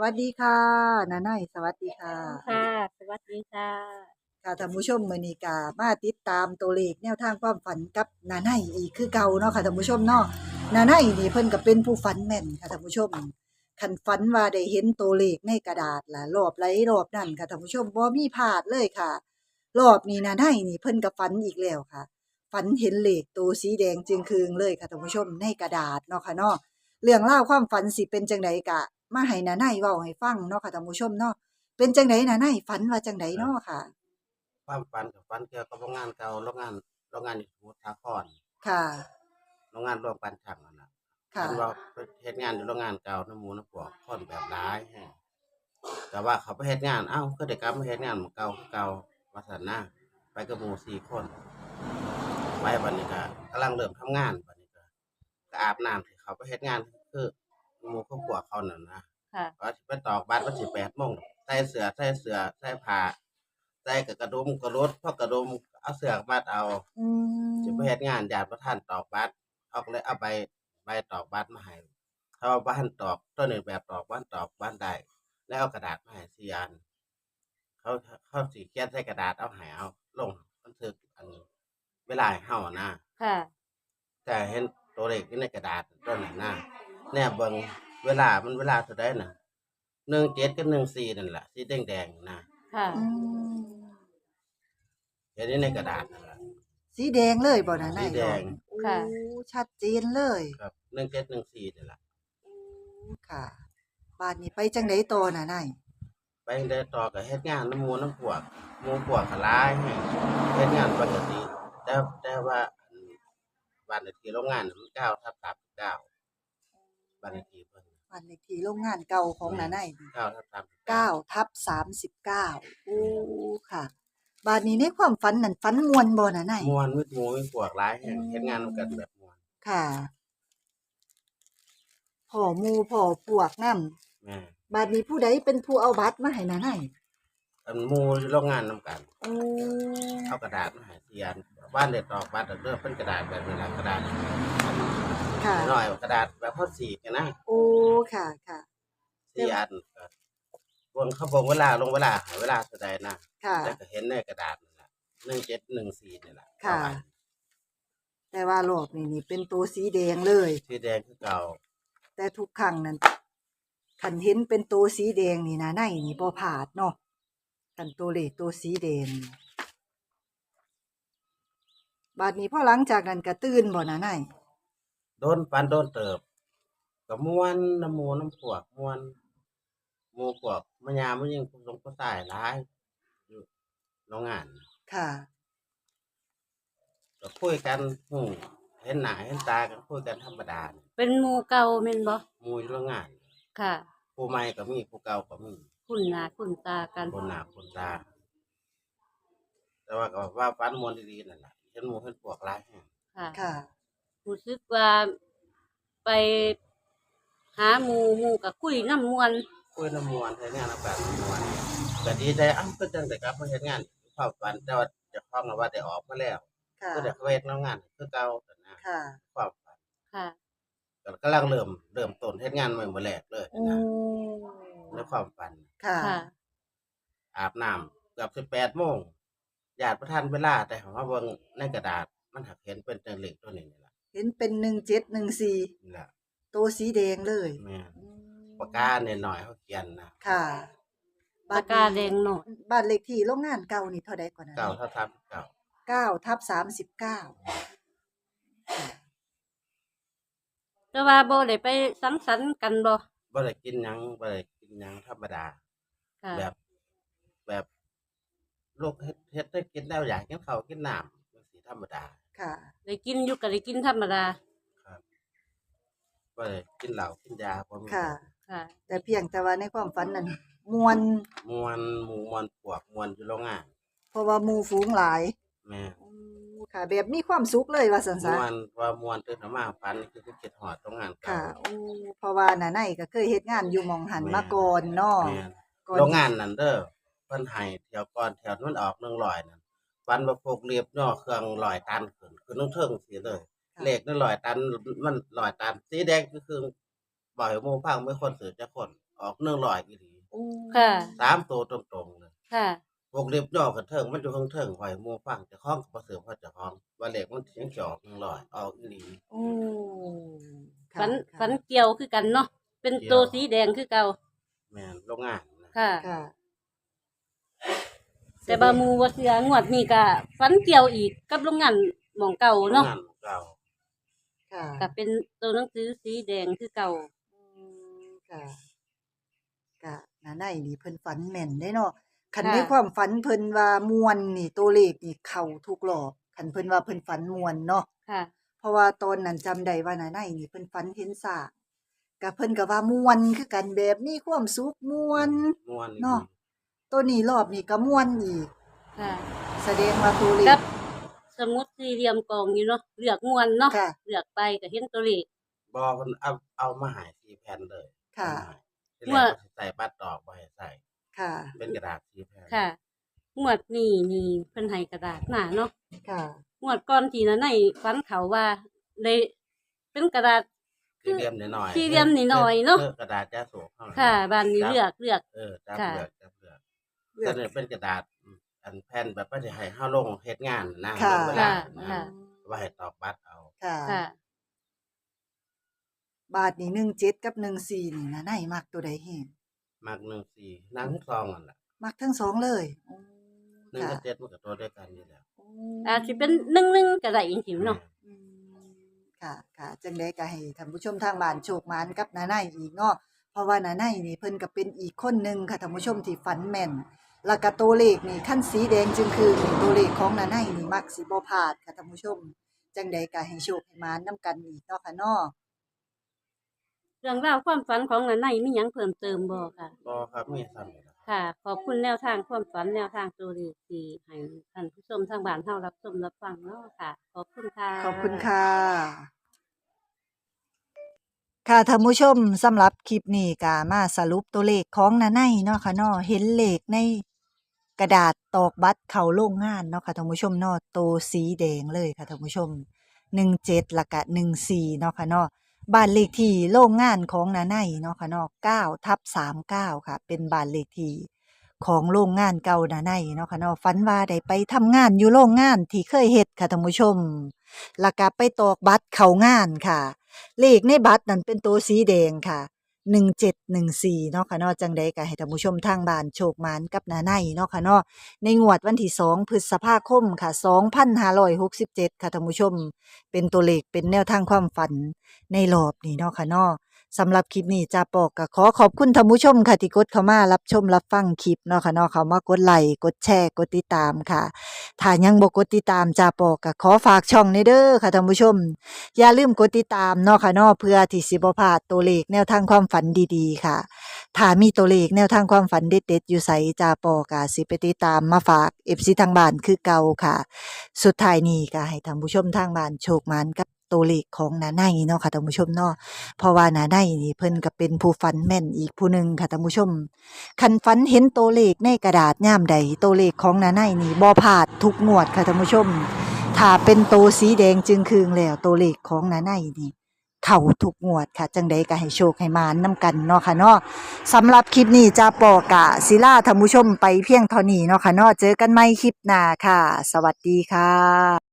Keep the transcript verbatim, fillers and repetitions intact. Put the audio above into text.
วัสดีค่ะนาไนสวัสดีค่ะค่ะสวัสดีค่ะค่ะท่านผู้ชมมื้อนี้ก็มาติดตามตัวเลขแนวทางความฝันกับนาไนอีกคือเก่าเนาะค่ะท่านผู้ชมเนาะนาไนนี่เพิ่นก็เป็นผู้ฝันแม่นค่ะท่านผู้ชมคันฝันว่าได้เห็นตัวเลขในกระดาษล่ะรอบไหลรอบนั้นค่ะท่านผู้ชมบ่มีพลาดเลยค่ะรอบนี้นาไนนี่เพิ่นก็ฝันอีกแล้วค่ะฝันเห็นเลขตัวสีแดงจึงคืงเลยค่ะท่านผู้ชมในกระดาษเนาะค่ะเนาะเรื่องราวความฝันสิเป็นจังไดก็มาให้นาไนเว้าให้ฟังเนาะค่ะท่านผู้ชมเนาะ เป็นจังไดน่ะนายฝันว่าจังไดครับเนาะค่ะความฝันกับฝันเกี่ยวกับโรงงานเก่าโรงงานโรงงานอยู่สมุทรสาครค่ะโรงงานร่วมกันช่างนั่นน่ะค่ะฝันว่าไปเฮ็ดงานอยู่โรงงานเก่าน้ำหมูน้ำพวกคนแบบหลายแฮงแต่ว่าเขาไปเฮ็ดงานอ้าวคือได้กลับมาเฮ็ดงานหม้องเก่าคือเก่าว่าซั่นนะไปกับหมู่สี่คนไปบัดนี้ก็กำลังเริ่มทำงานบัดนี้ก็ก็อาบน้ำสิเข้าไปเฮ็ดงานคือหมู่ครอบครัวเขานั่นนะค่ะว่าสิไปตอกบัตรวันที่แปดโมงใส่เสื้อใส่เสื้อใส่ผ้าใส่กับกระดุมกระรดพอกระดุมเอาเสื้อมัดเอาอืสิไปมเฮ็ดงานญาติบ่ทันตอกบัตรเขาก็เลยเอาใบใบตอกบัตรมาให้เขาว่าบ่ทันตอกตัวนี้แบบตอกบ่ทันตอกบ่ทันได้แล้วเอากระดาษมาให้สี่อันเขาเขาสิเขียนใส่กระดาษเอาให้เอาลงบันทึกอันเวลาให้เฮาอะนะค่ะแต่เห็นตัวเลขอยู่ในกระดาษตัวนั้นนะแนบเบิ่งเวลามันเวลาเท่าใดน่ะหนึ่งเจ็ดกับหนึ่งสี่นั่นล่ะสีแดงๆนะค่ะอืมเห็นอยู่ในกระดาษนั่นล่ะสีแดงเลยบ่น่ะสีแดนายบอกงโอ้ค่ะชัดเจนเลยครับหนึ่งเจ็ดหนึ่งสี่นั่นล่ะโอ้ค่ะบาดนี้ไปจังไดต่อน่ะนายไปได้ต่อก็เฮ็ดงานน้ำหมู่น้ำพวกหมู่พวกก็หลายแฮงเฮ็ดงานปกติแต่แต่ว่าอันบ้านเลขที่โรงงานน่ะมันเก้าทับสามสิบเก้าบ้านเลขที่เพิ่นบ้านเลขที่โรงงานเก่าของแม่นน่ะนายนี่เก้าทับสามสิบเก้าเก้าทับสามสิบเก้าโอ้ค่ะบาดนี้ในความฝันนั่นฝันม่วนบ่น่ะนายม่วนมีหมู่มีพวกหลายแฮงเฮ็ดงานนำกันแบบม่วนค่ะพ้อหมู่พ้อพวกนำแม่นบาดนี้ผู้ใดเป็นผู้เอาบัตรมาให้น่ะนายอันหมู่อยู่โรงงานนำกันโอ้เอากระดาษมาให้เขียนบ้านเด็ดดอกบ้านเด็ดเลือกเป็นกระดาษแบบนี้แหละกระดาษค่ะน้อยๆกระดาษแบบพอสีกันนะโอ้ค่ะค่ะสี่อันก็วงเขาบอกเวลาลงเวลาหาเวลาแสดงนะค่ะแล้วก็เห็นในกระดาษนั่นแหละหนึ่งเจ็ดหนึ่งสี่นี่แหละค่ะ แต่ว่ารอบนี้นี่เป็นตัวสีแดงเลยสีแดงคือเก่าแต่ทุกครั้งนั้นคันเห็นเป็นตัวสีแดงนี่นะในนี่บ่พลาดเนาะคันตัวเลขตัวสีแดงนี่บาดนี้พอหลังจากนั้นก็ตื่นบ่นะในโดนปันโดนเติบกับม้วนน้ำหมูน้ำพวกม้วนหมูพวกมันยามมันยิงผู้สงผู้ชายหลายอยู่โรงงานค่ะก็คุยกันหูเห็นหน้าเห็นตากันคุยกันธรรมดานี่เป็นหมู่เก่าแม่นบ่หมู่อยู่โรงงานค่ะผู้ใหม่ก็มีผู้เก่าก็มีคุ้นหน้าคุ้นตากันคนหน้าคนตาแต่ว่าก็ว่าฝันม่วนดีๆนั่นล่ะเห็นหมู่เห็นพวกหลายแฮงค่ะค่ะรู้สึกว่าไปหาหมู่หมู่ก็คุยนำม่วนคุยน้ำม่วนเฮ็ดงานนำกันม่วนก็ดีใจอ้าวคือจังได้กลับมาเฮ็ดงานความฝันแต่ว่าเจ้าของน่ะว่าได้ออกมาแล้วค่ะก็ได้เข้าเฮ็ดโรงงานคือเก่านั่นนะค่ะความฝันค่ะก็กำลังเริ่มเริ่มต้นเฮ็ดงานใหม่มื้อแรกเลยโอ้นะในความฝันค่ะค่ะอาบน้ำเกือบสิบแปดโมงญาติบ่ทันเวลาแต่เขามาเบิ่งในกระดาษมันหักเห็นเป็นตัวเลขตัวนี้นี่ล่ะเห็นเป็นหนึ่งเจ็ดหนึ่งสี่นี่ล่ะตัวสีแดงเลยแม่นอืมปากกาน้อยๆเขาเขียนนะค่ะบาดปากกานี้แดงน้อยบ้านเลขที่โรงงานเก่านี่เท่าใดก่อนนะเก้าเท่าสามสิบเก้าเก้าทับสามสิบเก้าค่ะแต่ว่าบ่ได้ไปสังสรรค์กันบ่บ่ได้กินหยังบ่ได้กินหยังธรรมดาค่ะแบบแบบโลกเฮ็ดเฮ็ดให้กินแล้วอยากกินข้าวกินน้ำจังซี้ธรรมดาค่ะได้กินอยู่ก็ได้กินธรรมดาครับบ่ได้กินเหล้ากินยาบ่มีค่ะค่ะแต่เพียงแต่ว่าในความฝันนั้นม่วนม่วนหมู่ม่วนพวกม่วนอยู่โรงงานเพราะว่าหมู่ฝูงหลายแม่นอือค่ะ แบบมีความสุขเลยว่าซั่นซะม่วนว่าม่วนตื่นมาฝันคือคิดฮอดโรงงานเก่าค่ะโอ้เพราะว่าน่ะในก็เคยเฮ็ดงานอยู่หม้องหันมาแม่นก่อนเนาะแม่นก่อนโรงที่งานนั่นเด้อเพิ่นให้เที่ยวก่อนเที่ยวมันออกหนึ่งร้อยนั่นฝันว่าพวกเรียบย่อเครื่องร้อยตันขึ้นขึ้นเทิงๆซี้เลย เลขนั่นร้อยตันมันร้อยตันสีแดงก็คือบ่ให้หมู่ฟังมีคนซื้อจักคนออกหนึ่งร้อยอีหลีโอ้ค่ะสามตัวตรงๆเลยค่ะวงเล็บย่อกันเทิงมันอยู่ข้างเทิงไว้หมู่ฟังเจ้าของก็บ่ซื้อเพราะเจ้าของว่าเลขมันสิยังสิออกหนึ่งร้อยออกอีหลีโอ้ค่ะฝันค่ะฝันเกี่ยวคือกันเนาะเป็นตัวสีแดงคือเก่าแม่นโรงงานนะค่ะค่ะแต่บาหมูบ่เสืองวดนี้ก็ฝันเกี่ยวอีกกับโรงงานหม่องเก่าโรงเนาะงานเก่าค่ะก็เป็นตัวหนังสือสีแดงคือเก่าอืมค่ะก็น่าในนี่เพิ่นฝันแม่นได้เนาะคันค่ะในความฝันเพิ่นว่ามวนนี่ตัวเลขนี่เข้าทุกรอบคันเพิ่นว่าเพิ่นฝันมวนเนาะค่ะเพราะว่าตอนนั้นจำได้ว่าน่าในนี่เพิ่นฝันเห็นสร้างก็เพิ่นก็ว่ามวนคือกันแบบมีความสุขม่วนม่วนอีหลีเนาะ ตัวนี้รอบนี้ก็ม่วนอีกค่ะแสดงว่าตัวเลกัขบสมุดสี่เหลี่ยมกองอยู่เนาะเลือกม่วนเนาะค่ะเลือกไปก็เห็นตัวเลขบ่เพิ่นเอาเอามาให้สี่แผ่นเลยค่ะเอามาให้ที่แรกว่าก็สิใส่บัตรดอกบ่ให้ใส่ค่ะเป็นกระดาษสี่แผ่นค่ะงวดนี้นี่เพิ่นให้กระดาษมาเนาะค่ะงวดก่อนที่นั้นในฝันเขาว่าได้เป็นกระดาษสี่เหลี่ยมน้อยๆสี่เหลี่ยมน้อยๆเนาะออกระดาษจ้าโศกเท่านั้นค่ะบ้านนี้จับเลือกเลือกเออจับค่ะเลือกจับเลือกเลือกแต่เนี่ยเป็นกระดาษอืมอันแผ่นแบบว่าสิให้เฮาลงเฮ็ดงานนะค่ะลงเวลาค่ะนะค่ะว่าให้ตอกบัตรเอาค่ะค่ะบาทนี่หนึ่งเจ็ดกับหนึ่งสี่นี่น่าในมักตัวใดแฮงมักหนึ่งสี่นั่งซองนั่นล่ะมักทั้งสองเลยโอ้หนึ่งค่ะกับเจ็ดมันก็ตัวเดียวกันอยู่แล้วโอ้อาจสิเป็นหนึ่งหนึ่งก็ได้จริงๆเนาะอืมค่ะค่ะจังได๋ก็ให้ท่านผู้ชมทางบ้านโชคหมานกับน้าในอีกเนาะเพราะว่าน้าในนี่เพิ่นก็เป็นอีกคนหนึงค่ะท่านผู้ชมที่ฝันแม่น แล้วก็ตัวเลขนี่คันสีแดงจึงคือนี่ตัวเลขของน้าในนี่มักสิบ่พลาดค่ะท่านผู้ชม จังใดก็ให้โชคให้หมานนํกันอีกเนาะค่ะเนาะเรื่องราวความฝันของนันในมีหยังเพิ่มเติมบ่ค่ะบ่ครับมีซ้ำนี่ล่ะค่ะ ขอบคุณแนวทางความฝันแนวทางตัวเลขที่ให้ท่านผู้ชมทางบ้านเฮารับชมรับฟังเนาะค่ะ ขอบคุณค่ะขอบคุณค่ะ ค่ะท่านผู้ชมสำหรับคลิปนี้ก็มาสรุปตัวเลขของน้าในเนาะค่ะเนาะเห็นเลขในกระดาษตอกบัตรเข้าโรงงานเนาะค่ะท่านผู้ชมเนาะโตสีแดงเลยค่ะท่านผู้ชมหนึ่งเจ็ดแล้วก็หนึ่งสี่เนาะค่ะเนาะบ้านเลขที่โรงงานของน้าในเนาะค่ะเนาะเก้าทับสามเก้าค่ะ เป็นบ้านเลขที่ของโรงงานเก่าน้าในเนาะค่ะเนาะฝันว่าได้ไปทำงานอยู่โรงงานที่เคยเฮ็ดค่ะท่านผู้ชมแล้วก็ไปตอกบัตรเข้างานค่ะ เลขในบัตรนั้นเป็นตัวสีแดงค่ะหนึ่งเจ็ดหนึ่งสี่เนาะค่ะเนาะจังใดก็ให้ท่านผู้ชมทางบ้านโชคหมานกับน้าในเนาะค่ะเนาะในงวดวันที่สองพฤษภาคมค่ะสองพันห้าร้อยหกสิบเจ็ดค่ะท่านผู้ชม เป็นตัวเลขเป็นแนวทางความฝันในรอบนี้เนาะค่ะเนาะสำหรับคลิปนี้จาปอกก็ขอขอบคุณท่านผู้ชมค่ะที่กดเข้ามารับชมรับฟังคลิปเนาะค่ะเนาะเข้ามากดไลค์กดแชร์กดติดตามค่ะถ้ายังบ่กดติดตามจาปอกก็ขอฝากช่องนี้เด้อค่ะท่านผู้ชม อย่าลืมกดติดตามเนาะค่ะเนาะเพื่อที่สิบ่พลาดตัวเลขแนวทางความฝันดีๆค่ะถ้ามีตัวเลขแนวทางความฝันเด็ดๆอยู่ไสจาปอก็สิไปติดตามมาฝาก เอฟ ซี ทางบ้านคือเก่าค่ะ สุดท้ายนี้ก็ให้ท่านผู้ชมทางบ้านโชคหมานกับตัวเลขของน้าในเนาะค่ะท่านผู้ชมเนาะเพราะว่าน้าในนี่เพิ่นก็เป็นผู้ฝันแม่นอีกผู้หนึ่งค่ะท่านผู้ชมคันฝันเห็นตัวเลขในกระดาษยามใดตัวเลขของน้าในนี่บ่พลาดทุกงวดค่ะท่านผู้ชม ถ้าเป็นตัวสีแดงจึงคืงแล้วตัวเลขของน้าในนี่เข้าทุกงวดค่ะ จังใดก็ให้โชคให้หมานนํกันเนาะค่ะเนาะสำหรับคลิปนี้จาปอกะศิลาท่านผู้ชมไปเพียงเท่านี้เนาะค่ะเนาะเจอกันใหม่คลิปหน้าค่ะ สวัสดีค่ะ